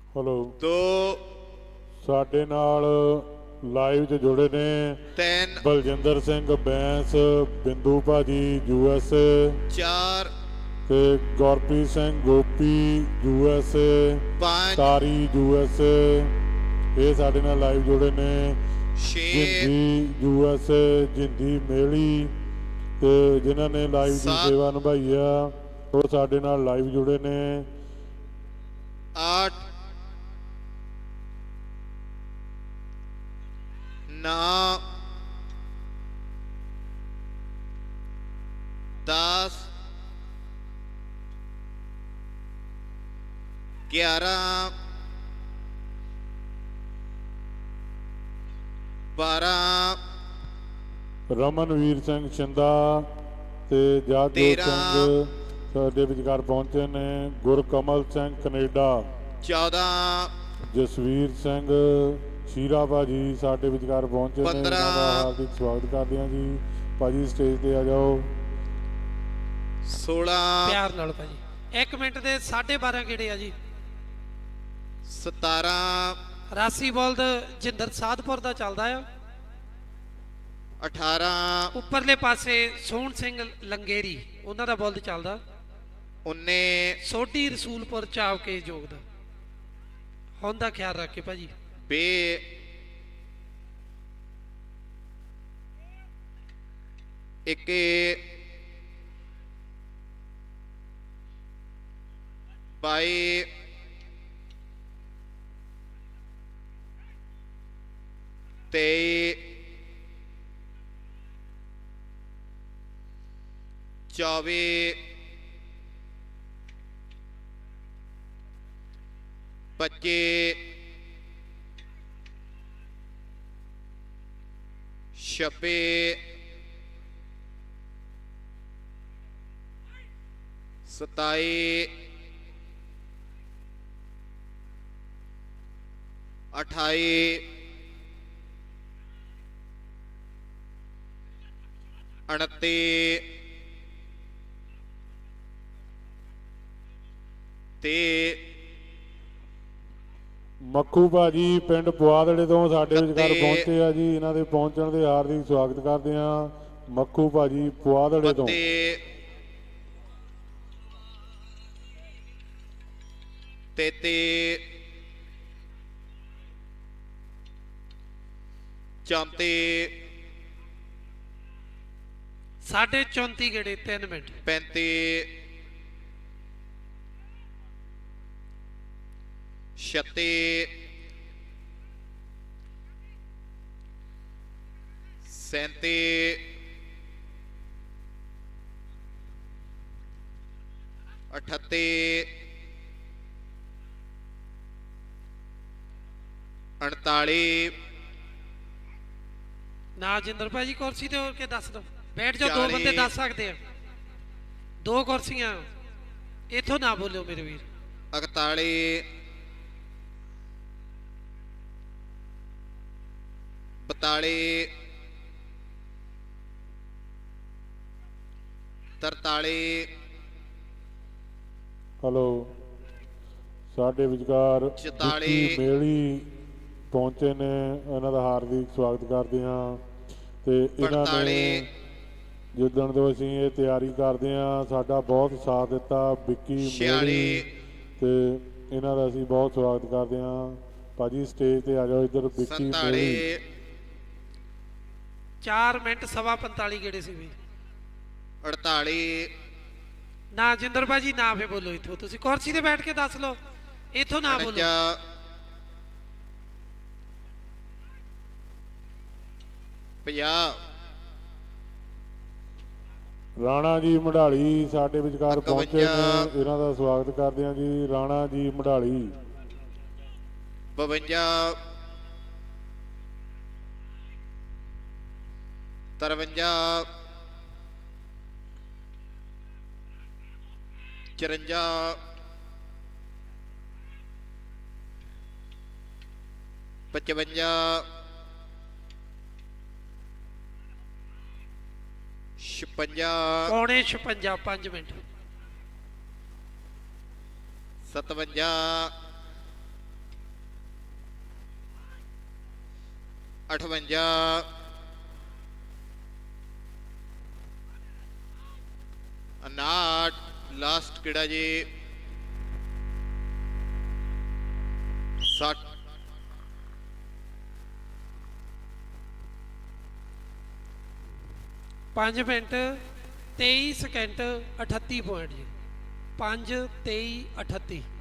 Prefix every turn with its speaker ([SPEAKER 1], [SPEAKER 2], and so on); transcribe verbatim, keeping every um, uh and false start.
[SPEAKER 1] hello
[SPEAKER 2] दो
[SPEAKER 1] साडे नाल लाइव च जुड़े ने
[SPEAKER 2] तीन
[SPEAKER 1] बलजिंदर सिंह बैंस बिंदु भाजी यूएस
[SPEAKER 2] चार
[SPEAKER 1] ते गुरप्रीत सिंह गोपी यूएस
[SPEAKER 2] पाँच
[SPEAKER 1] तारी यूएस ये साडे नाल लाइव जुड़े ने
[SPEAKER 2] छे
[SPEAKER 1] जिंदी यूएस जिंदी मेली ते जिन्हां ने लाइव की
[SPEAKER 2] सात
[SPEAKER 1] सेवा निभाई आ वो साडे नाल लाइव जुड़े ने
[SPEAKER 2] आठ नौ दस ग्यारह बारह
[SPEAKER 1] ਰਮਨਵੀਰ ਸਿੰਘ ਛਿੰਦਾ ਤੇ ਜਗਜੋਤ
[SPEAKER 2] ਤੇਰਾਂ
[SPEAKER 1] ਸਿੰਘ ਸਾਡੇ ਵਿਚਕਾਰ ਪਹੁੰਚੇ ਨੇ ਗੁਰਕਮਲ ਸਿੰਘ ਕੈਨੇਡਾ
[SPEAKER 2] चौदह
[SPEAKER 1] ਜਸਵੀਰ ਸਿੰਘ ਸ਼ੀਰਾ ਭਾਜੀ ਸਾਡੇ ਵਿਚਕਾਰ ਪਹੁੰਚੇ ਨੇ ਇਹਨਾਂ ਦਾ ਹਾਰਦਿਕ ਸਵਾਗਤ ਕਰਦੇ ਹਾਂ ਜੀ ਭਾਜੀ ਸਟੇਜ ਤੇ ਆ ਜਾਓ
[SPEAKER 2] सोलह
[SPEAKER 3] ਪਿਆਰ ਨਾਲ ਭਾਜੀ ਇੱਕ ਮਿੰਟ ਦੇ ਸਾਢੇ ਬਾਰਾਂ ਕਿਹੜੇ ਆ ਜੀ
[SPEAKER 2] सतारह
[SPEAKER 3] ਰਾਸੀ ਬੋਲਦ ਜਿੰਦਰ ਸਾਧਪੁਰ ਦਾ ਚੱਲਦਾ ਆ
[SPEAKER 2] अठारह
[SPEAKER 3] ਉੱਪਰਲੇ ਪਾਸੇ ਸੋਹਣ ਸਿੰਘ ਲੰਗੇਰੀ ਉਹਨਾਂ ਦਾ ਬੋਲਦ ਚੱਲਦਾ
[SPEAKER 2] उन्नीस
[SPEAKER 3] ਸੋਢੀ ਰਸੂਲਪੁਰ ਚਾਵ ਕੇ ਜੋਗ ਦਾ ਹੁਣ ਦਾ ਖਿਆਲ ਰੱਖ ਕੇ ਭਾਜੀ
[SPEAKER 2] बे इक्की बाई तेई चौबीस पच्चीस छब्बीस सताई अठाई उनती ते
[SPEAKER 1] ਮੱਖੂ ਭਾਜੀ ਪਿੰਡ ਪੁਆਦੜੇ ਤੋਂ ਸਾਡੇ ਵਿਚਕਾਰ
[SPEAKER 2] ਇਕੱਤੀ
[SPEAKER 1] ਪਹੁੰਚੇ ਆ ਜੀ ਇਹਨਾਂ ਦੇ ਪਹੁੰਚਣ ਦੇ ਹਾਰਦਿਕ ਸਵਾਗਤ ਕਰਦੇ ਹਾਂ ਮੱਖੂ ਭਾਜੀ ਪੁਆਦੜੇ ਤੋਂ
[SPEAKER 2] बत्ती तेती चौंती
[SPEAKER 3] ਸਾਢੇ ਚੌਂਤੀ ਕਿਹੜੇ ਤਿੰਨ ਮਿੰਟ
[SPEAKER 2] पैंती छत्ती सैंती अठत्ती अड़ताली
[SPEAKER 3] ਨਾ ਜਿੰਦਰ ਭਾਜੀ ਕੁਰਸੀ ਤੇ ਹੋ ਕੇ ਦੱਸ ਦੋ ਬੈਠ ਜਾਓ ਦੋ
[SPEAKER 2] ਚਾਲੀ
[SPEAKER 3] ਬੰਦੇ ਦੱਸ ਸਕਦੇ ਆ ਦੋ ਕੁਰਸੀਆਂ ਇੱਥੋਂ ਨਾ ਬੋਲਿਓ ਮੇਰੇ ਵੀਰ
[SPEAKER 2] इकताली बताली तरताली
[SPEAKER 1] ਹਲੋ ਸਾਡੇ ਵਿਚਕਾਰ
[SPEAKER 2] ਚੁਤਾਲੀ
[SPEAKER 1] ਵਿੱਕੀ ਮੇਲੀ ਪਹੁੰਚੇ ਨੇ ਇਹਨਾਂ ਦਾ ਹਾਰਦਿਕ ਸਵਾਗਤ ਕਰਦੇ ਹਾਂ ਤੇ ਇਹਨਾਂ ਨੇ
[SPEAKER 2] ਪੰਤਾਲੀ
[SPEAKER 1] ਜਿੱਦਣ ਤੋਂ ਅਸੀਂ ਇਹ ਤਿਆਰੀ ਕਰਦੇ ਹਾਂ ਸਾਡਾ ਬਹੁਤ ਸਾਥ ਦਿੱਤਾ ਵਿੱਕੀ
[SPEAKER 2] ਛਿਆਲੀ
[SPEAKER 1] ਮੇਲੀ ਤੇ ਇਹਨਾਂ ਦਾ ਅਸੀਂ ਬਹੁਤ ਸਵਾਗਤ ਕਰਦੇ ਹਾਂ ਭਾਜੀ ਸਟੇਜ ਤੇ ਆ ਜਾਓ ਇੱਧਰ ਵਿੱਕੀ
[SPEAKER 2] ਸੰਤਾਲੀ
[SPEAKER 1] ਮੇਲੀ
[SPEAKER 3] ਚਾਰ ਮਿੰਟ ਸਵਾ ਪੰਤਾਲੀ ਕਿਹੜੇ ਸੀ ਵੀ
[SPEAKER 2] अड़ताली
[SPEAKER 3] ਨਾ ਜਿੰਦਰ ਭਾਜੀ ਨਾ ਫੇ ਬੋਲੋ ਇੱਥੋਂ ਤੁਸੀਂ ਕੁਰਸੀ ਤੇ ਬੈਠ ਕੇ ਦੱਸ ਲਓ ਇੱਥੋਂ ਨਾ ਬੋਲੋ
[SPEAKER 2] उनचा पंजाब
[SPEAKER 1] ਰਾਣਾ ਜੀ ਮਢਾਲੀ ਸਾਡੇ ਵਿਚਕਾਰ ਪਹੁੰਚੇ ਨੇ
[SPEAKER 2] ਇਕਵੰਜਾ
[SPEAKER 1] ਇਹਨਾਂ ਦਾ ਸਵਾਗਤ ਕਰਦੇ ਹਾਂ ਜੀ ਰਾਣਾ ਜੀ ਮਢਾਲੀ
[SPEAKER 2] बवंजा तरवंजा चरंजा पचवंजा छप्पंजा
[SPEAKER 3] ਪੌਣੇ ਛਪੰਜਾ ਪੰਜ ਮਿੰਟ
[SPEAKER 2] सतवंजा ਅਠਵੰਜਾ ਉਨਾਹਠ ਲਾਸਟ ਕਿਹੜਾ ਜੀ ਸੱਠ
[SPEAKER 3] ਪੰਜ ਮਿੰਟ ਤੇਈ ਸਕਿੰਟ ਅਠੱਤੀ ਪੁਆਇੰਟ ਜੀ ਪੰਜ ਤੇਈ ਅਠੱਤੀ